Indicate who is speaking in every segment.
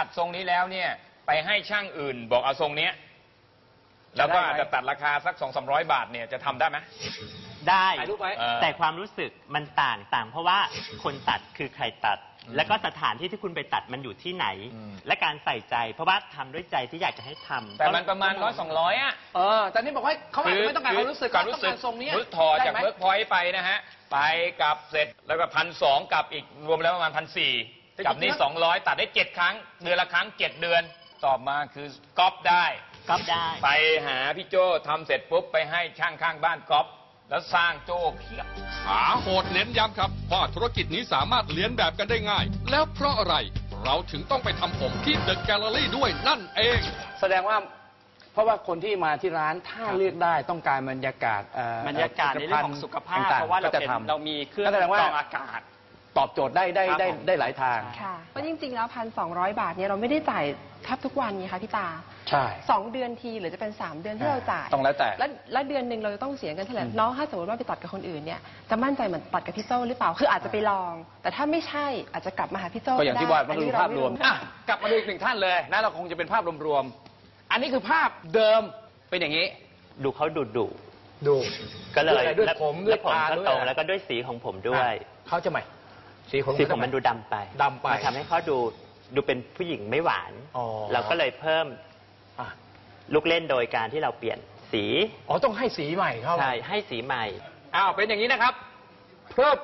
Speaker 1: ตัดทรงนี้แล้วเนี่ยไปให้ช่างอื่นบอกเอาทรงเนี้ยแล้วก็อาจจะตัดราคาสัก200-300 บาทเนี่ยจะทำได้ไหม
Speaker 2: ได้แต่ความรู้สึกมันต่างเพราะว่าคนตัดคือใครตัดแล้วก็สถานที่ที่คุณไปตัดมันอยู่ที่ไหนและการใส่ใจเพราะว่าทำด้วยใจที่อยากจะให้ทำ
Speaker 1: แต่มันประมาณ100-200อ่ะ
Speaker 3: แต่นี่บอกว่าเขาอาจจะไม่ต้องการความรู้สึกต้องการทรงนี้
Speaker 1: ถอดจากเวิร์กพอยต์ไปนะฮะไปกลับเสร็จแล้วก็1,200กับอีกรวมแล้วประมาณ1,400กับนี่200ตัดได้7 ครั้งเดือนละครั้ง7 เดือนตอบมาคือก๊อปได้ไปหาพี่โจ้ทำเสร็จปุ๊บไปให้ช่างข้างบ้านก๊อปแล้วสร้างโจ้เพียบ
Speaker 4: ขาโหดเน้นย้ำครับว่าธุรกิจนี้สามารถเลียนแบบกันได้ง่ายแล้วเพราะอะไรเราถึงต้องไปทำผมที่เดอะแกลเลอรี่ด้วยนั่นเอง
Speaker 3: แสดงว่าเพราะว่าคนที่มาที่ร้านถ้าเลือกได้ต้องการบรรยากาศ
Speaker 2: ในเรื่องของสุขภาพเพราะว่าเรามีเครื่องกรองอากาศ
Speaker 3: ตอบโจทย์ได้หลายทาง
Speaker 5: ค่ะเพราะจริงๆแล้ว1,200 บาทเนี่ยเราไม่ได้จ่ายแทบทุกวันไงคะพี่ตา
Speaker 3: ใช่
Speaker 5: 2 เดือนทีหรือจะเป็น3 เดือนที่เราจ่าย
Speaker 3: ต้องแล้วแต่
Speaker 5: แล้วเดือนหนึ่งเราจะต้องเสียเงินเท่าไหร่น้องถ้าสมมติว่าไปตัดกับคนอื่นเนี่ยจะมั่นใจเหมือนตัดกับพี่โจ้หรือเปล่าคืออาจจะไปลองแต่ถ้าไม่ใช่อาจจะกลับมาหาพี่โจ้
Speaker 3: ก็อย่างที่ว่ามาดูภาพรวมกลับมาดูอีก1 ท่านเลยนะเราคงจะเป็นภาพรวมๆอันนี้คือภาพเดิมเป็นอย่างนี้
Speaker 2: ดูเขา
Speaker 3: ดู
Speaker 2: ก็เลย
Speaker 3: ด้วยผมด้วยตา
Speaker 2: ด้วยแล้วก็ด้วยสีของผมด้วย
Speaker 3: เขาจะไหมสี
Speaker 2: ผมมันดูดำไปมาทำให้เขาดูเป็นผู้หญิงไม่หวานเราก็เลยเพิ่มลูกเล่นโดยการที่เราเปลี่ยนสี
Speaker 3: ต้องให้สีใหม่เข้า
Speaker 2: ใช่ให้สีใหม่
Speaker 3: เป็นอย่างนี้นะครับเพิ่ม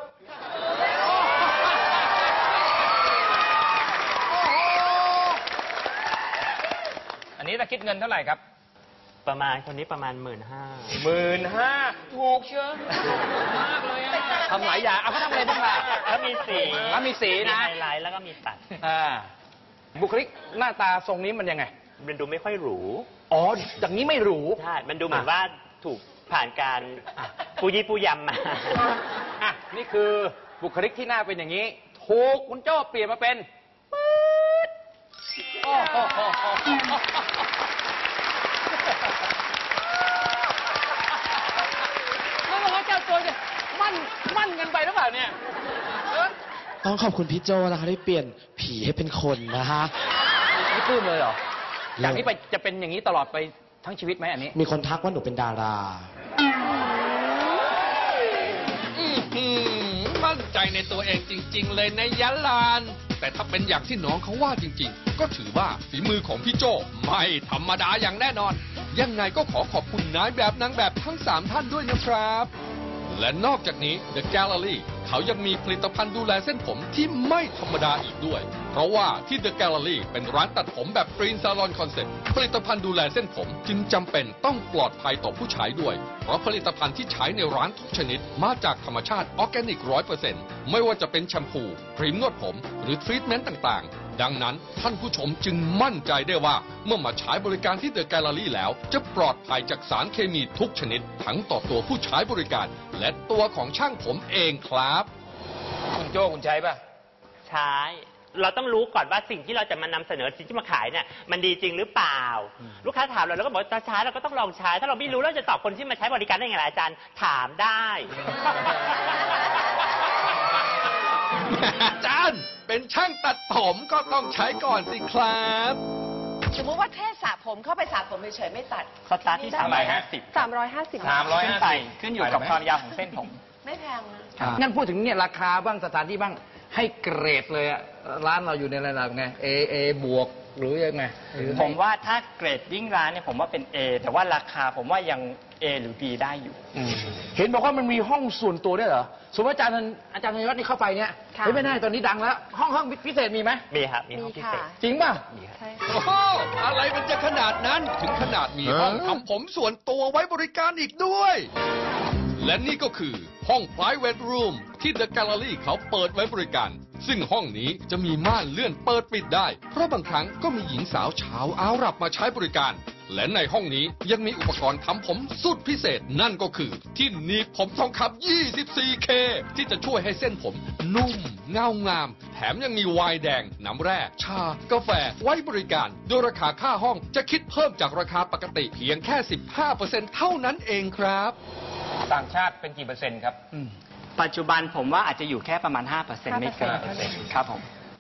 Speaker 1: อันนี้จะคิดเงินเท่าไหร่ครับ
Speaker 2: ประมาณคนนี้ประมาณ
Speaker 1: 15,000ถูกเชียวมากเลย
Speaker 3: ทำหลายอย่างเขาทำอะไรบ้างล่ะ
Speaker 2: แล้วมีสีนะไฮไลท์แล้วก็มีตัด
Speaker 3: บุคลิกหน้าตาทรงนี้มันยังไง
Speaker 2: มันดูไม่ค่อยหรู
Speaker 3: อย่างนี้ไม่หรู
Speaker 2: ใช่มันดูเหมือนว่าถูกผ่านการปูยี่ปูยำมา
Speaker 3: นี่คือบุคลิกที่หน้าเป็นอย่างนี้ถูกคุณโจ้เปลี่ยนมาเป็นปื๊ดไม่บอกว่าเจ้าตัวเนี่ยมั่นกันไปหรือเปล่าเนี่ย
Speaker 6: ต้องขอบคุณพี่โจนะคะที่เปลี่ยนผีให้เป็นคนนะฮะ
Speaker 3: นี่ปลื้มเลยเหรอจากนี้ไปจะเป็นอย่างนี้ตลอดไปทั้งชีวิตไหมอันนี้
Speaker 6: มีคนทักว่าหนูเป็นดารา
Speaker 4: มั่นใจในตัวเองจริงๆเลยนะยะลานแต่ถ้าเป็นอย่างที่น้องเขาว่าจริงๆก็ถือว่าฝีมือของพี่โจไม่ธรรมดาอย่างแน่นอนยังไงก็ขอบคุณนายแบบนางแบบทั้ง3 ท่านด้วยนะครับและนอกจากนี้ The Gallery เขายังมีผลิตภัณฑ์ดูแลเส้นผมที่ไม่ธรรมดาอีกด้วยเพราะว่าที่ The Gallery เป็นร้านตัดผมแบบ Green Salon Concept ผลิตภัณฑ์ดูแลเส้นผมจึงจำเป็นต้องปลอดภัยต่อผู้ใช้ด้วยเพราะผลิตภัณฑ์ที่ใช้ในร้านทุกชนิดมาจากธรรมชาติออร์แกนิก 100% ไม่ว่าจะเป็นแชมพูครีมนวดผมหรือทรีทเมนต์ต่างๆดังนั้นท่านผู้ชมจึงมั่นใจได้ว่าเมื่อมาใช้บริการที่ The Gallery แล้วจะปลอดภัยจากสารเคมีทุกชนิดทั้งต่อตัวผู้ใช้บริการและตัวของช่างผมเองครับ
Speaker 1: คุณโจ้คุณใช้ป่ะ
Speaker 2: ใช้เราต้องรู้ก่อนว่าสิ่งที่เราจะมานำเสนอสิ่งที่มาขายเนี่ยมันดีจริงหรือเปล่าลูกค้าถามเราแล้วก็บอกจะใช้เราก็ต้องลองใช้ถ้าเราไม่รู้เราจะตอบคนที่มาใช้บริการได้ยังไงอาจารย์ถามได้
Speaker 4: อาจารย์เป็นช่างตัดผมก็ต้องใช้ก่อนสิครับ
Speaker 7: สมมติว่าแค่สระผมเข้าไปสระผมเฉยๆไม่ตัด
Speaker 2: สตาร์ทที่
Speaker 5: 350
Speaker 2: ขึ้นอยู่กับความยาวของเส้นผม
Speaker 7: ไม่แพง
Speaker 3: นะงั้นพูดถึงเนี่ยราคาบ้างสถานที่บ้างให้เกรดเลยอะร้านเราอยู่ในระดับไง A บวกหรือยังไง
Speaker 2: ผมว่าถ้าเกรดยิ่งร้านเนี่ยผมว่าเป็น A แต่ว่าราคาผมว่ายัง A หรือ B ได้อยู่
Speaker 3: เห็นบอกว่ามันมีห้องส่วนตัวด้วยเหรอสมมติอาจารย์ธัญวัฒน์นี่เข้าไปเนี่ยไม่ได้ตอนนี้ดังแล้วห้องพิเศษมีไหม
Speaker 2: มีครับมีห้องพิเศษ
Speaker 3: จริงป่ะ
Speaker 4: โอ้โหอะไรมันจะขนาดนั้นถึงขนาดมีห้องทำผมส่วนตัวไว้บริการอีกด้วยและนี่ก็คือห้อง Private Room ที่ The Gallery เขาเปิดไว้บริการซึ่งห้องนี้จะมีม่านเลื่อนเปิดปิดได้เพราะบางครั้งก็มีหญิงสาวชาวอาหรับมาใช้บริการและในห้องนี้ยังมีอุปกรณ์ทำผมสุดพิเศษนั่นก็คือที่หนีบผมทองคำ 24K ที่จะช่วยให้เส้นผมนุ่มเงางามแถมยังมีไวน์แดงน้ำแร่ชากาแฟไว้บริการโดยราคาค่าห้องจะคิดเพิ่มจากราคาปกติเพียงแค่ 15% เท่านั้นเองครับ
Speaker 1: ต่างชาติเป็นกี่เปอร์เซ็นต์ครับ
Speaker 2: ปัจจุบันผมว่าอาจจะอยู่แค่ประมาณ 5% ไม่เกินครับผม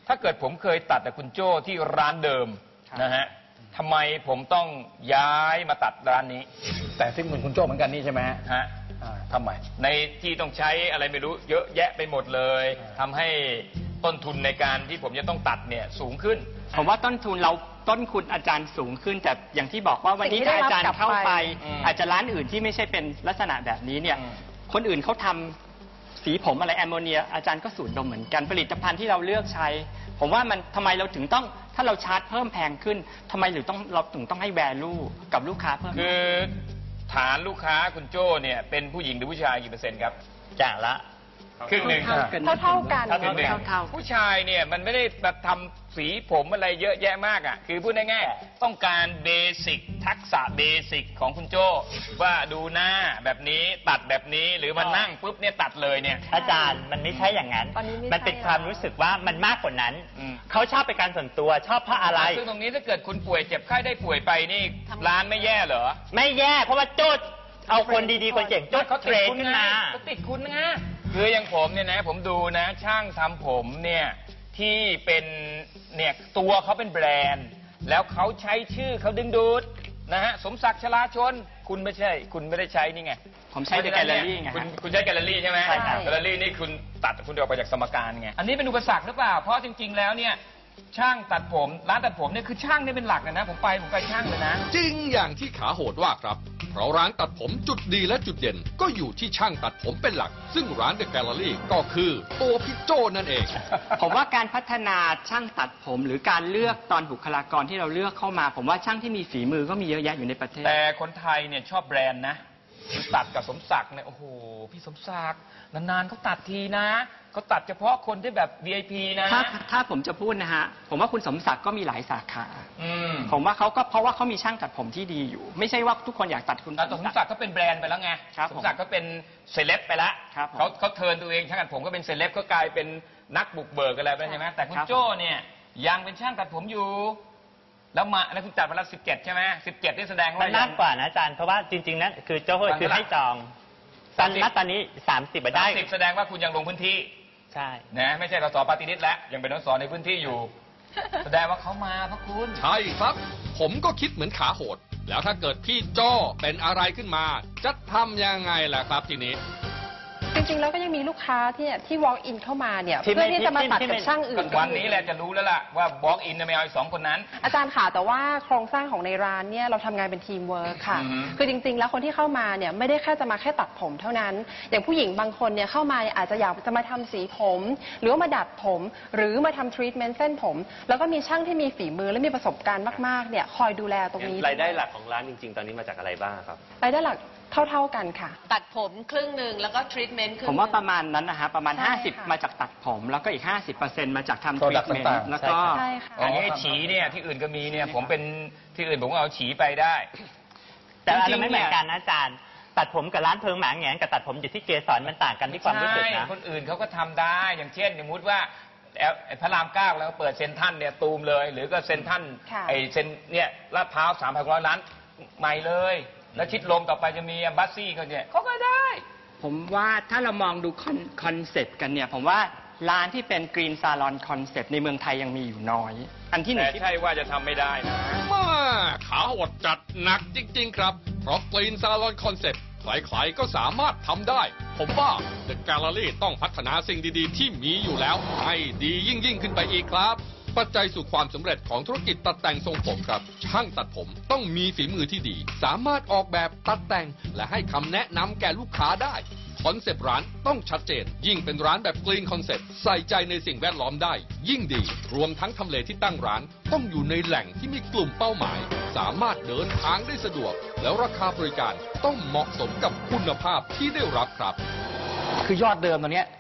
Speaker 1: ถ้าเกิดผมเคยตัดแต่คุณโจ้ที่ร้านเดิมนะฮะทำไมผมต้องย้ายมาตัดร้านนี้
Speaker 3: แต่ซึ่งเหมือนคุณโจ้เหมือนกันนี่ใช่ไหมฮะ
Speaker 1: ฮะ
Speaker 3: ทำไม
Speaker 1: ในที่ต้องใช้อะไรไม่รู้เยอะแยะไปหมดเลยทำให้ต้นทุนในการที่ผมจะต้องตัดเนี่ยสูงขึ้น
Speaker 8: ผมว่าต้นทุนอาจารย์สูงขึ้นแต่อย่างที่บอกว่าวันนี้
Speaker 5: สิ่งที่
Speaker 8: ถ้าอาจารย์
Speaker 5: ได้รับกลับ
Speaker 8: เข้าไป
Speaker 1: อา
Speaker 8: อาจจะร้านอื่นที่ไม่ใช่เป็นลักษณะแบบนี้เนี่ยคนอื่นเขาทำสีผมอะไรแอมโมเนียอาจารย์ก็สูดดมเหมือนกันผลิตภัณฑ์ที่เราเลือกใช้ ผมว่ามันทำไมเราถึงต้องถ้าเราชาร์จเพิ่มแพงขึ้นทำไมเราถึงต้องให้แวลูกับลูกค้าเพิ่ม
Speaker 1: คือฐานลูกค้าคุณโจ้เนี่ยเป็นผู้หญิงหรือผู้ชายกี่เปอร์เซ็นต์ครับ
Speaker 2: อย่างละ
Speaker 1: ครึ่งหนึ่ง
Speaker 5: เท่ากัน
Speaker 1: ครึ่งหนึ่ง
Speaker 8: เท่า
Speaker 1: ผู้ชายเนี่ยมันไม่ได้แบบทำสีผมอะไรเยอะแยะมากอ่ะคือพูดง่ายๆต้องการเบสิกทักษะเบสิกของคุณโจ้ว่าดูหน้าแบบนี้ตัดแบบนี้หรือมานั่งปุ๊บเนี่ยตัดเลยเนี่ย
Speaker 2: อาจารย์มันไม่ใช่อย่างนั้น
Speaker 5: ตอนนี้ไม่ใช่
Speaker 2: มันเป็นความรู้สึกว่ามันมากกว่านั้น
Speaker 1: อืม
Speaker 2: เขาชอบเป็นการส่วนตัวชอบเพราะอะไร
Speaker 1: ซึ่งตรงนี้ถ้าเกิดคุณป่วยเจ็บไข้ได้ป่วยไปนี่ร้านไม่แย่เหรอ
Speaker 2: ไม่แย่เพราะว่าโจ้เอาคนดีๆคนเก่งโจ้
Speaker 1: เขา
Speaker 2: เทร
Speaker 1: ติด
Speaker 2: น
Speaker 1: คุณ
Speaker 2: ขึ้น
Speaker 1: ไง
Speaker 2: มา
Speaker 1: เขาติดคุณนะคืออย่างผมเนี่ยนะผมดูนะช่างทำผมเนี่ยที่เป็นเนี่ยตัวเขาเป็นแบรนด์ แล้วเขาใช้ชื่อเขาดึงดูดนะฮะสมศักดิ์ชลาชนคุณไม่ใช่ คุณไม่ได้ใช้นี่ไง
Speaker 8: ผมใช้ The Gallery ไงฮะ
Speaker 1: คุณใช้แกลเลอรี่ใช่ไหม
Speaker 2: ใช่ครับ
Speaker 1: แกลเลอรี่นี่คุณตัดคุณออกไปจากสมการไงอันนี้เป็นอุปสรรคหรือเปล่าเพราะจริง ๆ แล้วเนี่ยช่างตัดผมร้านตัดผมเนี่ยคือช่างเนี่ยเป็นหลักเลยนะผมไปช่างเลยนะ
Speaker 4: จริงอย่างที่ขาโหดว่าครับ เพราะร้านตัดผมจุดดีและจุดเด่นก็อยู่ที่ช่างตัดผมเป็นหลัก ซึ่งร้านเดอะแกลเลอรี่ก็คือตัวพี่โจ้นั่นเอง
Speaker 8: ผมว่าการพัฒนาช่างตัดผมหรือการเลือกตอนบุคลากรที่เราเลือกเข้ามา ผมว่าช่างที่มีฝีมือก็มีเยอะแยะอยู่ในประเทศ
Speaker 1: แต่คนไทยเนี่ยชอบแบรนด์นะคือตัดกับสมศักดิ์เนี่ยโอ้โหพี่สมศักดิ์นานๆเขาตัดทีนะเขาตัดเฉพาะคนที่แบบ VIP นะ
Speaker 8: ถ้าผมจะพูดนะฮะผมว่าคุณสมศักดิ์ก็มีหลายสาขา
Speaker 1: อืม
Speaker 8: ผมว่าเขาก็เพราะว่าเขามีช่างตัดผมที่ดีอยู่ ไม่ใช่ว่าทุกคนอยากตัดคุณ
Speaker 1: แต่สมศักดิ์ก็เป็นแบรนด์ไปแล้วไง
Speaker 8: ครับ
Speaker 1: สมศักดิ์ก็เป็นเซเลบไปแล้ว
Speaker 8: ครับผม
Speaker 1: เขาเทิร์นตัวเองช่างตัดผมก็เป็นเซเลบก็กลายเป็นนักบุกเบิกอะไรไปใช่ไหมแต่คุณโจ้เนี่ยยังเป็นช่างตัดผมอยู่ แล้วคุณตัดมาแล้ว17ใช่ไหม17นี่แสดง
Speaker 2: มั
Speaker 1: ว่าน
Speaker 2: มากกว่านะอาจารย์เพราะว่าจริงๆนั้นคือโจ้คือให้จองตอนนี้30ได้
Speaker 1: 30แสดงว่าคุณยังลงพื้นที่
Speaker 2: ใช่
Speaker 1: นะไม่ใช่สสปาร์ตี้ลิสต์แล้วยังเป็นสสในพื้นที่อยู่ แสดงว่าเขามาเพราะคุณ
Speaker 4: ใช่ครับ ผมก็คิดเหมือนขาโหด แล้วถ้าเกิดพี่โจ้เป็นอะไรขึ้นมา จะทำยังไงล่ะครับทีนี้
Speaker 5: จริงๆแล้วก็ยังมีลูกค้าที่ walk in เข้ามาเนี่ย
Speaker 2: ที่
Speaker 5: เพื่อที่จะมาตัด
Speaker 2: ที่ไม่
Speaker 5: กับช่างอื่น
Speaker 1: วันนี้แหละจะรู้แล้วล่ะว่าบล็อกอินไม่เอาอีก2คนนั้น
Speaker 5: อาจารย์ค่ะแต่ว่าโครงสร้างของในร้านเนี่ยเราทำงานเป็นทีมเวิร์คค่ะ
Speaker 1: อือฮึ
Speaker 5: คือจริงๆ แล้วคนที่เข้ามาเนี่ยไม่ได้แค่จะมาแค่ตัดผมเท่านั้น อย่างผู้หญิงบางคนเนี่ยเข้ามาเนี่ยอาจจะอยากจะมาทำสีผม หรือว่ามาดัดผม หรือมาทำทรีทเมนต์เส้นผม แล้วก็มีช่างที่มีฝีมือและมีประสบการณ์มากๆเนี่ยคอยดูแลตรงนี้
Speaker 9: รายได้หลักของร้านจริงๆ ตอนนี้มาจากอะไรบ้างครับ
Speaker 5: รายได้หลักเท่าๆกันค่ะ
Speaker 7: ตัดผมครึ่งหนึ่งแล้วก็ทรีทเมนต์ครึ่ง
Speaker 8: ผมว่าประมาณนั้นนะฮะประมาณ
Speaker 5: ใช่ค่ะ
Speaker 8: 50 มาจากตัดผม แล้วก็อีก 50%มาจากทำทรี
Speaker 3: Product
Speaker 8: ทเมน
Speaker 3: ต่าง
Speaker 8: ต์
Speaker 3: ๆ
Speaker 8: แล้วก็
Speaker 5: ใช่ค่ะ
Speaker 1: อันนี้ฉีเนี่ยที่อื่นก็มีเนี่ยผมเป็นที่อื่นผมก็เอาฉีไปได้
Speaker 2: แต่อัน
Speaker 1: จริ
Speaker 2: นั้
Speaker 1: งๆ
Speaker 2: นไม่เหมือนกันนะอาจารย์ ตัดผมกับร้านเพิงหมาแหงนกับตัดผมอยู่ที่เกสรมันต่างกันที่ความรู้สึก
Speaker 1: ใช่
Speaker 2: นะ
Speaker 1: คนอื่นเขาก็ทำได้อย่างเช่นสมมติว่าพระราม9แล้วเปิดเซ็นทรัลเนี่ยตูมเลย หรือก็เซ็นทรัล
Speaker 5: ค่ะ
Speaker 1: ไอเซ็นเนี่ยลาดพร้าว3,600 ล้านใหม่เลย แล้วชิดลมต่อไปจะมีบัสซี่เขาเนี่ยเขาก็ได้
Speaker 8: ผมว่าถ้าเรามองดูคอนเซปต์กันเนี่ย ผมว่าร้านที่เป็นกรีนซาลอนคอนเซปต์ในเมืองไทยยังมีอยู่น้อย อันที่หนึ่
Speaker 1: แต่
Speaker 8: งที่
Speaker 1: ใช่ว่าจะทำไม่ได้นะ
Speaker 4: มาขาโหดจัดหนักจริงๆครับ เพราะกรีนซาลอนคอนเซ็ปต์ใครๆก็สามารถทำได้ ผมว่า The Gallery ต้องพัฒนาสิ่งดีๆ ที่มีอยู่แล้ว ให้ดียิ่งขึ้นไปอีกครับ ปัจจัยสู่ความสำเร็จของธุรกิจตัดแต่งทรงผมครับ ช่างตัดผมต้องมีฝีมือที่ดี สามารถออกแบบตัดแต่ง และให้คำแนะนำแก่ลูกค้าได้ คอนเซปต์ร้านต้องชัดเจน ยิ่งเป็นร้านแบบกรีนคอนเซปต์ใส่ใจในสิ่งแวดล้อมได้ ยิ่งดี รวมทั้งทำเลที่ตั้งร้าน ต้องอยู่ในแหล่งที่มีกลุ่มเป้าหมาย สามารถเดินทางได้สะดวก แล้วราคาบริการต้องเหมาะสมกับคุณภาพที่ได้รับครับ
Speaker 3: คือยอดเดิมตอนเนี้ย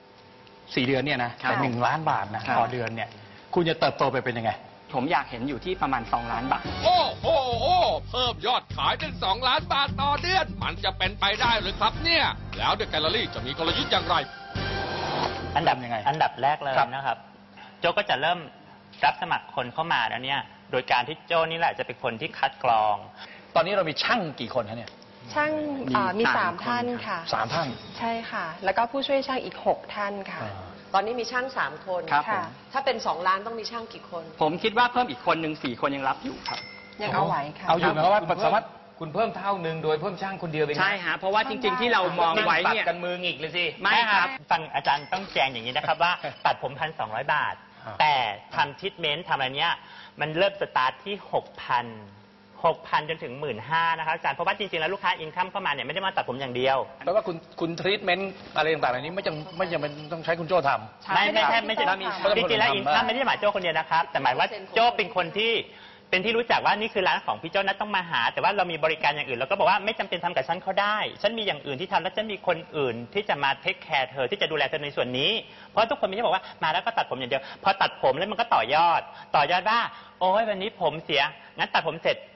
Speaker 3: 4 เดือนเนี่ยนะแต่1 ล้านบาทนะต่อเดือนเนี่ยคุณจะเติบโตไปเป็นยังไง
Speaker 8: ผมอยากเห็นอยู่ที่ประมาณ2 ล้านบาท
Speaker 4: โอ้โหเพิ่มยอดขายเป็น2 ล้านบาทต่อเดือน มันจะเป็นไปได้หรือครับเนี่ย แล้วเดอะแกลเลอรี่จะมีกลยุทธ์อย่างไร
Speaker 2: อันดับ
Speaker 3: ยังไง
Speaker 2: อันดับแรกเลย
Speaker 3: ครับ
Speaker 2: นะครับ โจ้ก็จะเริ่มรับสมัครคนเข้ามาแล้วเนี่ย โดยการที่โจ้นี่แหละจะเป็นคนที่คัดกรอง
Speaker 3: ตอนนี้เรามีช่างกี่คนคะเนี่ย
Speaker 5: ช่างมี
Speaker 8: สาม
Speaker 5: 3 ท่าน
Speaker 8: คน
Speaker 5: ค่ะ
Speaker 3: 3 ท่าน
Speaker 5: ใช่ค่ะ แล้วก็ผู้ช่วยช่างอีก 6 ท่านค่ะ
Speaker 3: ต
Speaker 7: ตอนนี้มีช่าง3 คน
Speaker 8: ครับผม
Speaker 7: ถ้าเป็น2 ล้านต้องมีช่างกี่คน
Speaker 8: ผมคิดว่าเพิ่มอีกคนหนึ่ง4 คนยังรับอยู่ครับ
Speaker 5: ยังเอาไหวค่ะ
Speaker 3: เอาอยู่ไหมว่าสามารถ
Speaker 1: คุณเพิ่มเท่านึงโดยเพิ่มช่างคนเดียวไป
Speaker 8: ใช่ฮะเพราะว่าจริงๆที่เรามองไว้
Speaker 1: ตัด
Speaker 8: เนี่ย
Speaker 1: กันมือหงิกเลยสิ
Speaker 2: ไม่ครับฟังอาจารย์ต้องแจงอย่างนี้นะครับว่า ตัดผม 1,200 บาท แต่ทำทรีทเมนต์ทำอะไรเนี้ยมันเริ่มสตาร์ทที่ 6,000 จนถึง 15,000 นะครับอาจารย์เพราะว่าจริงๆแล้วลูกค้าอินคัมเข้ามาเนี่ยไม่ได้มาตัดผมอย่างเดียว
Speaker 3: แปลว่าคุณทรีทเมนต์อะไรต่างๆเหล่านี้ไม่จำเป็นต้องใช้คุณโจ้ทำ
Speaker 2: ไม่ใช่
Speaker 3: ไม่ต้อง
Speaker 2: จริงๆแล้ว
Speaker 3: ทำ
Speaker 2: อินคัมไม่ได้หมายโจ้คนเดียวนะครับ แต่หมายว่าโจ้เป็นคนที่รู้จักว่านี่คือร้านของพี่โจ้นัดต้องมาหา แต่ว่าเรามีบริการอย่างอื่นเราก็บอกว่าไม่จำเป็นทำกับฉันเขาได้ฉันมีอย่างอื่นที่ทำแล้วฉันมีคนอื่นที่จะมาเทคแคร์เธอที่จะดูแลเธอในส่วนนี้เพราะทุกคนไม่ใช่บอกว่ามาแล้วก็ตัดผมอย่างเดียวพอตัดผมแล้วมันก็ต่อยอดว่าโอ้ยวันนี้ผมเสียงั้นตัดผมเสร็จ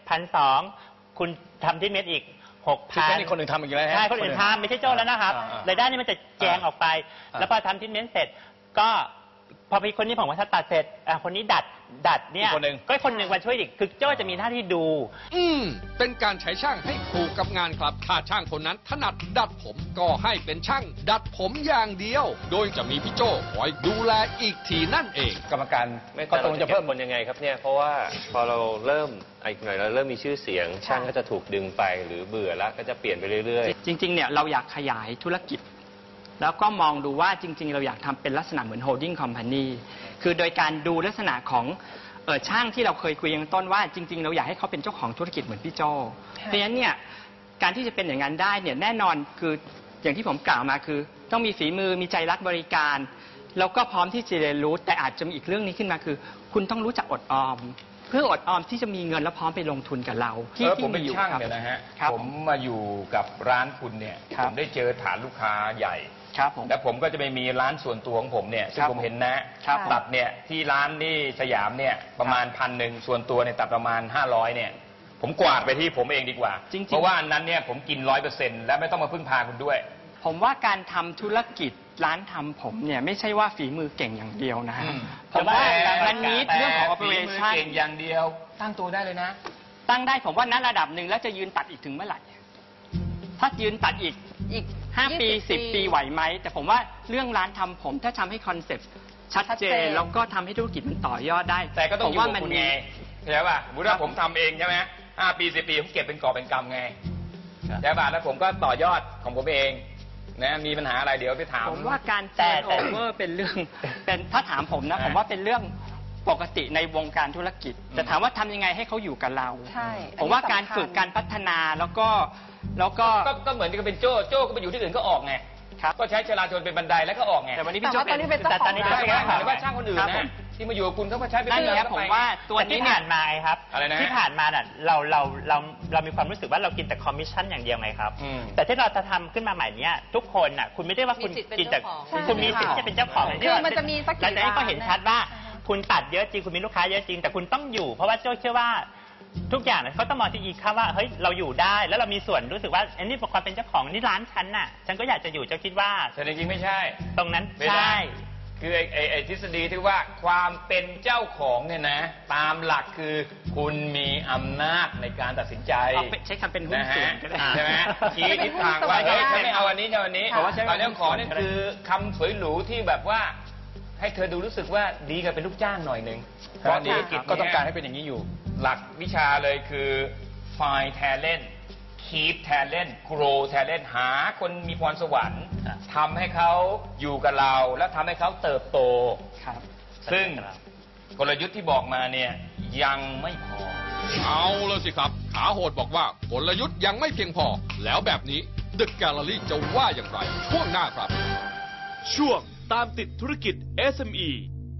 Speaker 2: 1,200 คุณทำที่เม็ดอีก
Speaker 3: คือแค่
Speaker 2: 6,000
Speaker 3: นี้คนอื่นทำอีกแล้วฮะ
Speaker 2: ใช่คนอื่นทำไม่ใช่โจ้แล้วนะครับรายได้นี่มันจะแจงออกไป แล้วพอทำทรีทเมนต์เสร็จก็พอพี่คนนี้ผมว่าถ้าตัดเสร็จคนนี้ดัดเนี่ย
Speaker 3: อีกคนหนึ่ง
Speaker 2: ก็คนหนึ่งมาช่วยอีกคือโจ้จะมีหน้าที่ดู
Speaker 4: เป็นการใช้ช่างให้ถูกกับงานครับ ถ้าช่างคนนั้นถนัดดัดผมก็ให้เป็นช่างดัดผมอย่างเดียว โดยจะมีพี่โจ้คอยดูแลอีกทีนั่นเอง
Speaker 3: กรรมการ
Speaker 9: ไม่
Speaker 3: ก็
Speaker 9: แต่
Speaker 3: ตร
Speaker 9: เรา
Speaker 3: ง
Speaker 9: จะ
Speaker 3: จะ
Speaker 9: เพิ่
Speaker 3: เพิ่
Speaker 9: ม
Speaker 3: ม
Speaker 9: คนยังไงครับเนี่ย เพราะว่าพอเราเริ่มอีกหน่อยเราเริ่มมีชื่อเสียง ช่างก็จะถูกดึงไปหรือเบื่อแล้วก็จะเปลี่ยนไปเรื่อยๆ
Speaker 8: จริงๆ เนี่ยเราอยากขยายธุรกิจ แล้วก็มองดูว่าจริงๆ เราอยากทำเป็นลักษณะเหมือน holding company คือโดยการดูลักษณะของช่างที่เราเคยคุยกันต้นว่าจริงๆ เราอยากให้เขาเป็นเจ้าของธุรกิจเหมือนพี่โจเพราะฉะนั้นเนี่ยการที่จะเป็นอย่างนั้นได้เนี่ยแน่นอนคืออย่างที่ผมกล่าวมาคือต้องมีฝีมือมีใจรักบริการแล้วก็พร้อมที่จะเรียนรู้แต่อาจจะมีอีกเรื่องนี้ขึ้นมาคือ คุณต้องรู้จักอดออม เพื่ออดออมที่จะมีเงินแล้วพร้อมไปลงทุนกับเราที่
Speaker 1: ผมเป็น
Speaker 8: อยู่
Speaker 1: ช่าง
Speaker 8: ครับ
Speaker 1: เนี่ยนะฮะ
Speaker 8: ครับ
Speaker 1: ผมมาอยู่กับร้านคุณเนี่ย
Speaker 8: ครั
Speaker 1: ผ
Speaker 8: บ
Speaker 1: มได้เจอฐานลูกค้าใหญ่
Speaker 8: ครับผม
Speaker 1: แล้วผมก็จะไปมีร้านส่วนตัวของผมเนี่ยซึ่ง
Speaker 8: ครับ
Speaker 1: ผมเห็นนะครับ ตัดเนี่ยที่ร้านที่สยามเนี่ยประมาณ1,100ส่วนตัวเนี่ยตัดประมาณ500เนี่ยผมกวาดไปที่ผมเองดีกว่า
Speaker 8: จริงๆ
Speaker 1: เพราะว่าอันนั้นเนี่ยผมกิน100%และไม่ต้องมาพึ่งพาคุณด้วย
Speaker 8: ผมว่าการทำธุรกิจร้านทำผมเนี่ยไม่ใช่ว่าฝีมือเก่งอย่างเดียวนะฮะ ผมว่ามันนิดเรื่องของ
Speaker 1: ฝีมื
Speaker 8: operation
Speaker 1: เก่งอย่างเดียวตั้งตัวได้เลยนะ
Speaker 8: ตั้งได้ผมว่าณระดับหนึ่งแล้วจะยืนตัดอีกถึงเมื่อไหร่ ถ้ายืนตัดอีก 5 ปี 10 ปีไหวไหม แต่ผมว่าเรื่องร้านทำผมถ้าทำให้คอนเซ็ปต์ชัดเจนแล้วก็ทำให้ธุรกิจมันต่อยอดได้
Speaker 1: แต่ก็ต้อง
Speaker 8: ผม
Speaker 1: อยู่
Speaker 8: ว่า
Speaker 1: กับ
Speaker 8: มัน
Speaker 1: คุณ
Speaker 8: มี
Speaker 1: ไงเข้าใจป่ะสมมติว่าผมทำเองใช่ไหม5 ปี 10 ปีผมเก็บเป็นกอบเป็นกำไงใช่ป่ะแล้วผมก็ต่อยอดของผมเองนะมีปัญหาอะไรเดี๋ยวไปถาม
Speaker 8: ผมว่าการเทิร์นโอเวอร์เป็นเรื่องเป็นถ้าถามผมนะ ผมว่าเป็นเรื่องปกติในวงการธุรกิจแต่ถามว่าทำยังไงให้เขาอยู่กับเรา
Speaker 5: ใช่
Speaker 8: ผมว่าการฝึกการพัฒนาแล้วก็
Speaker 1: ก็เหมือนกับเป็นโจ้ก็ไปอยู่ที่อื่นก็ออกไง
Speaker 8: ครับ
Speaker 1: ก็ใช้ชลาชนเป็นบันไดแล้วก็ออกไง
Speaker 8: แต่วันนี้พี่โจ้
Speaker 5: แต่ว่าตอนนี้เป็นเจ้าของ
Speaker 8: แต่ตอนนี้
Speaker 1: ใช่
Speaker 8: เป็น
Speaker 1: ไหม
Speaker 8: เจ้าข
Speaker 1: ห
Speaker 8: อ
Speaker 1: มาง ยถึงว่าช่างคนอื่น
Speaker 8: ครับผ
Speaker 1: นะ
Speaker 8: ม
Speaker 1: ที่มาอยู่กับคุณเขาก็ใช้เป็น
Speaker 8: นั่นไง
Speaker 1: เรื่อง
Speaker 8: ผมว่าตัวนี้
Speaker 2: ที่
Speaker 8: เนี่ย
Speaker 2: ผ่านมาไงครับ
Speaker 1: อะไรนะ
Speaker 2: ที่ผ่านมาน่ะเรามีความรู้สึกว่าเรากินแต่คอมมิชชั่นอย่างเดียวไงครับ
Speaker 1: อืม
Speaker 2: แต่ที่เราจะทำขึ้นมาใหม่เนี้ยทุกคนน่ะคุณไม่ได้ว่าคุณ
Speaker 7: มีสิทธิ์เป็น
Speaker 2: กินแต่
Speaker 7: เจ้าของ
Speaker 2: คุณมีสิทธิ์ที่จะเป็นเจ้าของ
Speaker 5: คือมันจะมีสักกี่
Speaker 2: หลังจากนี้ก็เห็นชัดว่า
Speaker 5: ร้านนะ
Speaker 2: คุณตัดเยอะจริงคุณมีลูกค้าเยอะจริงแต่คุณต้องอยู่ เพราะว่าโจ้เชื่อว่าทุกอย่างน่ะเขาต้องมองที่อีกค่าว่าเฮ้ยเราอยู่ได้แล้วเรามีส่วนรู้สึกว่าอันนี้เป็นความเป็นเจ้าของนี่ร้านฉันน่ะฉันก็อยากจะอยู่เจ้าคิดว่า
Speaker 1: แต่จริงๆไม่ใช่
Speaker 2: ตรงนั้น
Speaker 1: ไม่
Speaker 2: ใช่
Speaker 1: ได้คือไอ้ทฤษฎีที่ว่าความเป็นเจ้าของเนี่ยนะ ตามหลักคือคุณมีอำนาจในการตัดสินใจ
Speaker 8: ใช้คำเป็นหุ้นส่วนก็ได้
Speaker 1: ใช่ไหมชี้ทิศทางว่าเฮ้ยฉันไม่เอาอันนี้เอาอันนี้
Speaker 8: เพราะว่าใช้
Speaker 1: ตอนนี้ขอเนี่ยคือคำสวยหรูที่แบบว่า ให้เธอดูรู้สึกว่าดีกับเป็นลูกจ้างหน่อยหนึ่งเพราะธุรกิจ
Speaker 3: ก็ต้องการให้เป็นอย่างนี้อยู่
Speaker 1: หลักวิชาเลยคือ find talent keep talent grow talent หาคนมีพรสวรรค์ทำให้เขาอยู่กับเราแล้วทำให้เขาเติบโต
Speaker 8: ครับ
Speaker 1: ซึ่งกลยุทธ์ที่บอกมาเนี่ยยังไม่พอ
Speaker 4: เอาเลยสิครับขาโหดบอกว่ากลยุทธ์ยังไม่เพียงพอ แล้วแบบนี้ The Gallery จะว่าอย่างไร ช่วงหน้าครับ
Speaker 10: ช่วงตามติดธุรกิจ SME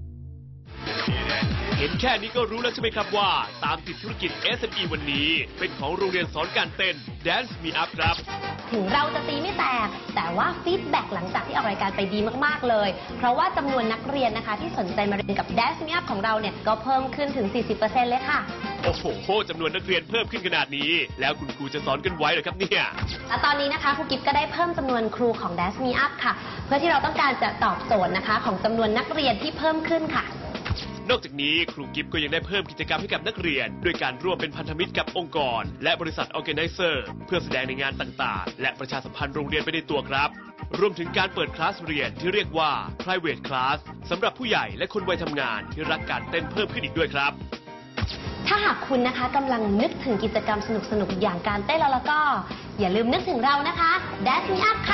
Speaker 10: เห็นแค่นี้ก็รู้แล้วใช่ไหมครับว่าตามติดธุรกิจ SME วันนี้เป็นของโรงเรียนสอนการเต้น Dance Me Up ครับ
Speaker 11: ถึงเราจะตีไม่แตก แต่ว่าฟีดแบ็กหลังจากที่ออกรายการไปดีมาก ๆ เลย เพราะว่าจำนวนนักเรียนนะคะที่สนใจมาเรียนกับ Dance Me Up ของเราเนี่ยก็เพิ่มขึ้นถึง 40% เลยค่ะ
Speaker 10: โอ้โหจำนวนนักเรียนเพิ่มขึ้นขนาดนี้ แล้วคุณครูจะสอนกันไว้เหรอครับเนี่ย
Speaker 11: และตอนนี้นะคะครูกิฟก็ได้เพิ่มจำนวนครูของ Dance Me Up ค่ะ เพื่อที่เราต้องการจะตอบโจทย์นะคะของจำนวนนักเรียนที่เพิ่มขึ้นค่ะ
Speaker 10: นอกจากนี้ครูกิฟก็ยังได้เพิ่มกิจกรรมให้กับนักเรียน ด้วยการร่วมเป็นพันธมิตรกับองค์กร และบริษัท Organizer เพื่อแสดงในงานต่างๆ และประชาสัมพันธ์โรงเรียนไปในตัวครับรวมถึงการเปิดคลาสเรียนที่เรียกว่า private class สำหรับผู้ใหญ่และคนวัยทำงานที่รักการเต้นเพิ่มขึ้นอีกด้วยครับ
Speaker 11: ถ้าหากคุณนะคะกำลังนึกถึงกิจกรรมสนุกๆอย่างการเต้นแล้วก็อย่าลืมนึกถึงเรานะคะ Dance Me Up ค่ะ